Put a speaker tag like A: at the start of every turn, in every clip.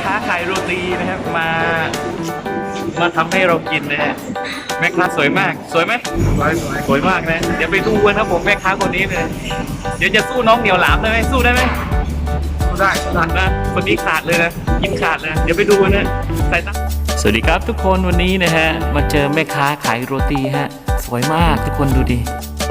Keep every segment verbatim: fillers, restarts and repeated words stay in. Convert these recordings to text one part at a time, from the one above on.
A: ค้าขายโรตีนะครับมามาทำให้เรากินนะฮะแม่ค้าสวยมากสวยไหมสวยสวยสวยมากนะเดี๋ยวไปดูกันครับผมแม่ค้าคนนี้เลยเดี๋ยวจะสู้น้องเหนียวหลามได้ไหมสู้ได้ไหมสู้ได้สู้ได้นะคนนี้ขาดเลยนะกินขาดเลยเดี๋ยวไปดูนะใส่ตั้งสวัสดีครับทุกคนวันนี้นะฮะมาเจอแม่ค้าขายโรตีฮะสวยมากทุกคนดูดิ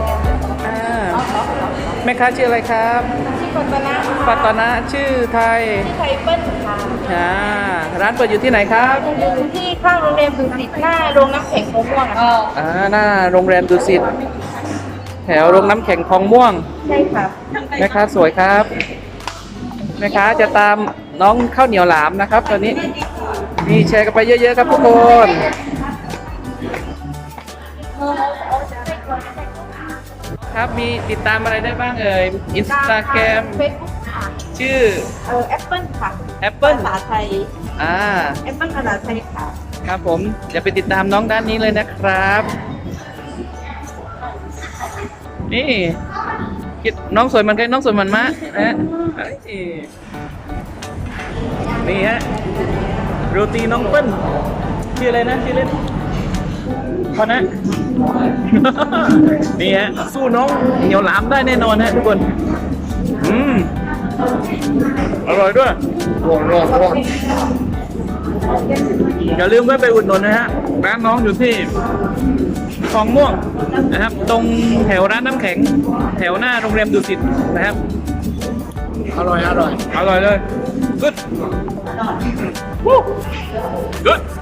A: แม่ค้าชื่ออะไรครับ
B: ชื่อปัตตนา
A: ปัตตนาชื่อไทย
B: ชื่อไทยเปิ้ลค่ะ
A: อ่าร้านเปิดอยู่ที่ไหนครับ
B: อยู่ที่ข้างโรงเรียนดุสิตหน้าโรงน้ำแข็งโค้งม่วงค่ะ
A: อ่าหน้าโรงแรมดุสิตแถวโรงน้ำแข็งคลองม่วง
B: ใช่ค่ะ
A: แม่ค้าสวยครับแม่ค้าจะตามน้องข้าวเหนียวหลามนะครับตอนนี้นี่แชร์กันไปเยอะๆครับทุกคนครับมีติดตามอะไรได้บ้างเอ่ยอินสตาแกรม
B: เฟซบุ๊กค่ะ
A: ชื่อ
B: เออแอปเปิ้ลค่ะ
A: แอปเปิ้ล
B: ภาษาไทย
A: อ่า
B: แอปเปิ้ลภาษาไทยค่ะ
A: ครับผมจะไปติดตามน้องด้านนี้เลยนะครับ นี่คิดน้องสวยเหมันใครน้องสวยเหมันมะนะฮะนี่ฮะโรตีน้องเปิ้ลชื่ออะไรนะชื่อเล่นพอนะ นี่ฮะสู้น้องเหนียวหลามได้แน่นอนฮะทุกคนอืมอร่อยด้วยร้อนร้อนร้อนอย่าลืมแวะไปอุดหนุนนะฮะร้านน้องอยู่ที่คลองม่วงนะครับตรงแถวร้านน้ำแข็งแถวหน้าโรงแรมดุสิตนะครับอร่อยอร่อยอร่อยเลย good good